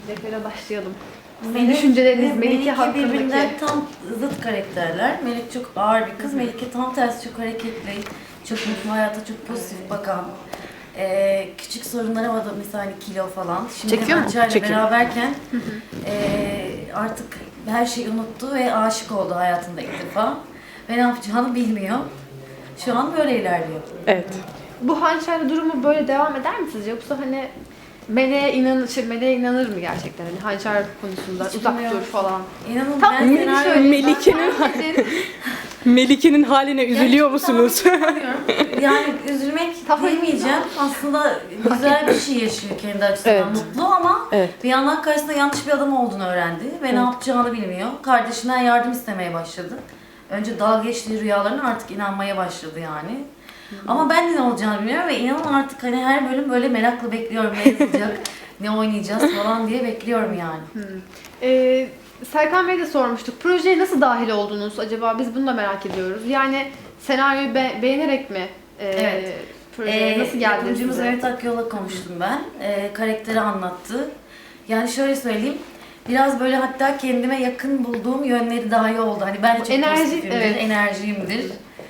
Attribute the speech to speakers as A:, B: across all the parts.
A: Deftere başlayalım. Sizin düşünceleriniz Melike hakkındaki.
B: Birbirinden tam zıt karakterler. Melike çok ağır bir kız. Melike tam tersi çok hareketli, çok mutlu, hayata çok pozitif bakan. Küçük sorunlara var da mesela hani kilo falan. Şimdi
A: Çekiyor mu?
B: Hançer'le
C: Çekiyor.
B: beraberken artık her şeyi unuttu ve aşık oldu hayatında ilk defa. Ve ne yapacağını bilmiyor. Şu an böyle ilerliyor.
C: Evet.
A: Bu hançerli durumu böyle devam eder mi sizce? Yoksa hani meleğe inanır mı gerçekten? Hani hançer konusunda
B: Hiç
A: uzak
B: bilmiyorum.
A: dur falan.
B: İnanın
A: Tam
B: ben
A: beni
B: senaryo...
A: söyleyeyim.
C: Melike'nin- Melike'nin haline üzülüyor musunuz?
B: Yani üzülmek
A: Tamam.
B: diyemeyeceğim. Aslında güzel bir şey yaşıyor kendi açısından.
C: Evet.
B: Mutlu ama
C: Evet.
B: bir yandan karşısında yanlış bir adam olduğunu öğrendi ve ne yapacağını bilmiyor. Kardeşinden yardım istemeye başladı. Önce dalga geçtiği rüyalarına artık inanmaya başladı yani. Ama ben de ne olacağını bilmiyorum ve inanın artık hani her bölüm böyle merakla bekliyorum ne yazılacak, ne oynayacağız falan diye bekliyorum yani.
A: Serkan Bey'e de sormuştuk. Projeye nasıl dahil oldunuz acaba? Biz bunu da merak ediyoruz. Yani senaryoyu beğenerek mi
B: Evet.
A: projeye nasıl geldi
B: Yapımcımız
A: size?
B: Mehmet Akyol'la konuştum ben. Karakteri anlattı. Yani şöyle söyleyeyim. Biraz böyle hatta kendime yakın bulduğum yönleri daha iyi oldu. Hani ben de çok pozitifimdir,
A: evet.
B: enerjiyimdir.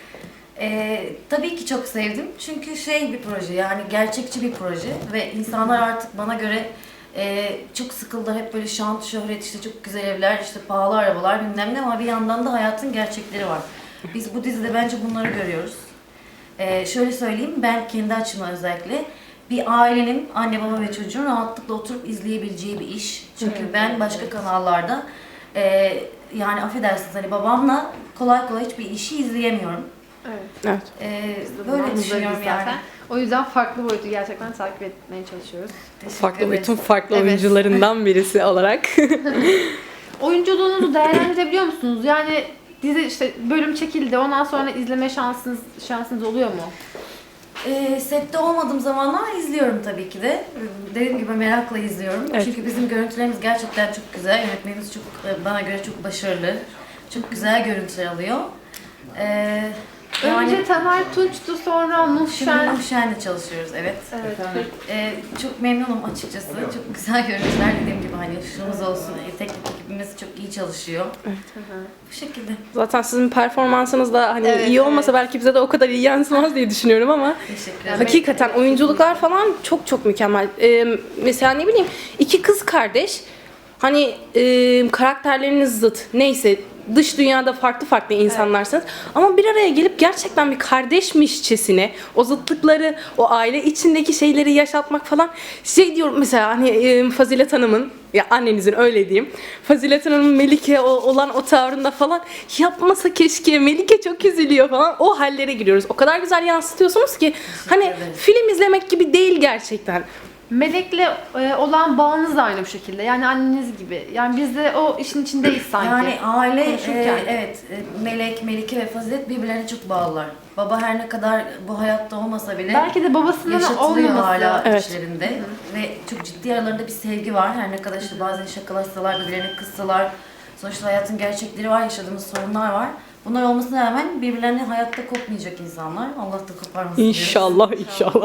B: Tabii ki çok sevdim. Çünkü bir proje yani gerçekçi bir proje ve insanlar artık bana göre çok sıkıldı. Hep böyle şan, şöhret, işte çok güzel evler, işte pahalı arabalar bilmem ne ama bir yandan da hayatın gerçekleri var. Biz bu dizide bence bunları görüyoruz. Şöyle söyleyeyim, ben kendi açımdan özellikle bir ailenin, anne baba ve çocuğun rahatlıkla oturup izleyebileceği bir iş. Çünkü ben başka kanallarda yani affedersiniz hani babamla kolay kolay hiçbir işi izleyemiyorum.
A: Evet.
C: Evet.
B: Böyle düşünüyorum yani.
A: O yüzden farklı boyutu gerçekten takip etmeye çalışıyoruz.
C: Farklı
B: ederiz.
C: bütün farklı
A: Evet.
C: oyuncularından birisi olarak.
A: Oyunculuğunuzu değerlendirebiliyor musunuz? Yani dizi işte bölüm çekildi. Ondan sonra izleme şansınız oluyor mu?
B: Sette olmadığım zamanlar izliyorum tabii ki de. Dediğim gibi merakla izliyorum.
C: Evet.
B: Çünkü bizim görüntülerimiz gerçekten çok güzel. Yönetmenimiz çok bana göre çok başarılı. Çok güzel görüntüler alıyor.
A: Önce Taner Tunç'tu, sonra
B: Şimdi
A: Muhşen.
B: Muhşen'le çalışıyoruz, evet.
A: Evet.
B: Çok memnunum açıkçası. Çok güzel görüntüler dediğim gibi hani ışığımız olsun. Teknik ekibimiz çok iyi çalışıyor. Bu şekilde.
C: Zaten sizin performansınız da hani
A: Evet,
C: iyi olmasa
A: evet.
C: belki bize de o kadar iyi yansımaz diye düşünüyorum ama
B: Teşekkür ederim.
C: hakikaten oyunculuklar falan çok çok mükemmel. Mesela ne bileyim iki kız kardeş hani karakterleriniz zıt neyse dış dünyada farklı farklı insanlarsınız ama bir araya gelip gerçekten bir kardeşmişçesine o zıtlıkları, o aile içindeki şeyleri yaşatmak falan diyorum mesela hani Fazilet Hanım'ın ya annenizin öyle diyeyim. Fazilet Hanım'ın Melike olan o tavrında falan yapmasa keşke Melike çok üzülüyor falan o hallere giriyoruz. O kadar güzel yansıtıyorsunuz ki hani
B: ederim.
C: film izlemek gibi değil gerçekten.
A: Melek'le olan bağınız da aynı bu şekilde. Yani anneniz gibi. Yani biz de o işin içindeyiz sanki.
B: Yani aile,
A: Konuşurken.
B: Melek, Melike ve Fazilet birbirlerine çok bağlılar. Baba her ne kadar bu hayatta olmasa bile
A: Belki de babasının
B: yaşatılıyor
A: olmaması.
B: hala
C: Evet.
B: içlerinde. Ve çok ciddi aralarında bir sevgi var. Her ne kadar işte bazen şakalaşsalar, birbirlerini kıssalar. Sonuçta hayatın gerçekleri var, yaşadığımız sorunlar var. Bunlar olmasına rağmen birbirlerini hayatta kopmayacak insanlar. Allah da koparmasın diyoruz.
C: İnşallah inşallah.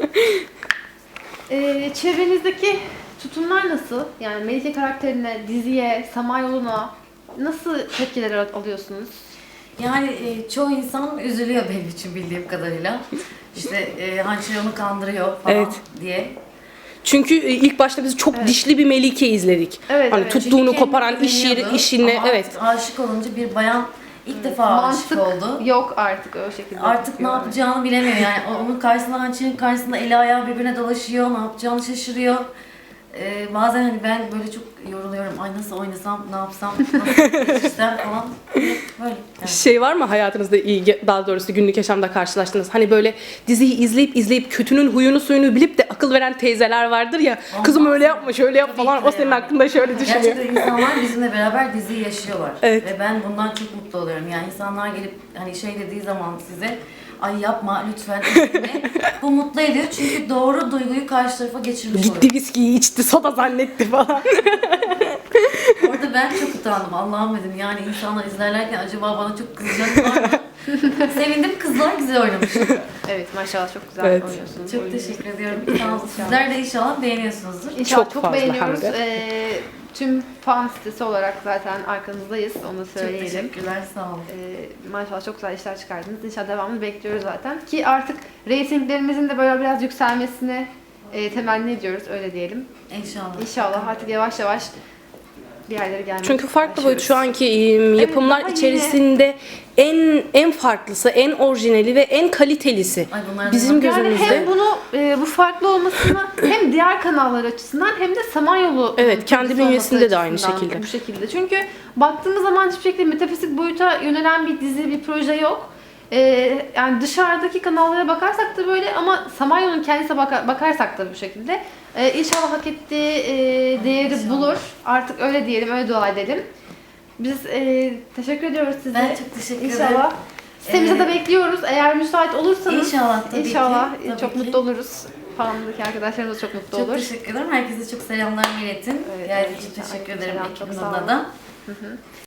A: Çevrenizdeki tutumlar nasıl? Yani Melike karakterine, diziye, Samanyolu'na nasıl tepkiler alıyorsunuz?
B: Yani çoğu insan üzülüyor benim için bildiğim kadarıyla. İşte hançer onu kandırıyor falan
C: Evet.
B: diye.
C: Çünkü ilk başta biz çok dişli bir Melike izledik.
A: Evet,
C: hani
A: evet.
C: tuttuğunu
B: Çünkü
C: koparan
B: kendini dinliyordu
C: işine
B: ama
C: evet.
B: artık aşık olunca bir bayan ilk defa aşık
A: Mantık
B: oldu.
A: yok artık o şekilde.
B: Artık ne yapacağını bilemiyor yani. Onun karşısında hançerin karşısında eli ayağı birbirine dolaşıyor, ne yapacağını şaşırıyor. Bazen hani ben böyle çok yoruluyorum. Ay nasıl oynasam, ne yapsam, nasıl yetişsem falan. Böyle. Yani.
C: Şey var mı hayatınızda iyi daha doğrusu günlük yaşamda karşılaştınız? Hani böyle diziyi izleyip kötünün huyunu suyunu bilip de akıl veren teyzeler vardır ya. Kızım öyle yapma, şöyle yap
B: Tabii
C: falan.
B: ki
C: O senin
B: yani.
C: hakkında şöyle düşünüyor.
B: Gerçekten insanlar bizimle beraber diziyi yaşıyorlar.
C: Evet.
B: Ve ben bundan çok mutlu oluyorum. Yani insanlar gelip hani dediği zaman size ay yapma lütfen üzülme. Bu mutlu ediyor çünkü doğru duyguyu karşı tarafa geçirmiş oluyor.
C: Gitti viskiyi içti, soda zannetti falan.
B: Orada ben çok utandım. Allah'ım dedim yani insanlar izlerlerken acaba bana çok kızacaklar mı? Sevindim, kızlar güzel oynamış.
A: Evet, maşallah çok güzel
C: Evet.
A: oynuyorsunuz.
B: Çok
A: oyununuz.
B: teşekkür ediyorum. Sağ olun. Sizler de inşallah beğeniyorsunuzdur.
A: İnşallah
C: Çok
A: çok,
C: fazla
A: beğeniyoruz.
C: hem de.
A: Tüm fan sitesi olarak zaten arkanızdayız. Onu da
B: Çok
A: söyleyelim.
B: teşekkürler, sağ olun.
A: Maşallah çok güzel işler çıkardınız. İnşallah devamını bekliyoruz zaten. Ki artık reytinglerimizin de böyle biraz yükselmesini temenni ediyoruz. Öyle diyelim.
B: İnşallah.
A: İnşallah artık yavaş yavaş bir yerlere gelmeye
C: Çünkü farklı boyut şu
A: başlıyoruz.
C: anki yapımlar
A: daha yeni.
C: içerisinde en farklısı, en orijinali ve en kalitelisi.
B: Ay bunlar
C: Bizim
B: da-
A: Yani
C: gözümüzde.
A: hem bunu bu farklı olmasını hem diğer kanallar açısından hem de Samanyolu
C: Evet, kendi
A: projesi
C: bünyesinde
A: olması
C: de aynı
A: açısından
C: şekilde.
A: Bu şekilde. Çünkü baktığımız zaman hiçbir şekilde metafizik boyuta yönelen bir dizi, bir proje yok. Yani dışarıdaki kanallara bakarsak da böyle ama Samanyolu'nun kendisine bakarsak da bu şekilde. İnşallah hak ettiği değeri
B: İnşallah.
A: bulur. Artık öyle diyelim, öyle dua edelim. Biz teşekkür ediyoruz size.
B: Ben çok teşekkür ederim.
A: İnşallah. Sitemize
B: Ee,
A: de bekliyoruz. Eğer müsait olursanız
B: İnşallah tabii ki,
A: İnşallah
B: tabii
A: çok
B: ki.
A: mutlu oluruz. Falanlık arkadaşlarımız çok mutlu
B: Çok
A: olur.
B: teşekkür ederim. Herkese çok selamlar iletin.
A: Evet,
B: Geldiğiniz
A: evet.
B: için teşekkür
A: Aleyküm
B: ederim
A: selam, çok
B: ekibin
A: sağ
B: adına
A: olun.
B: da.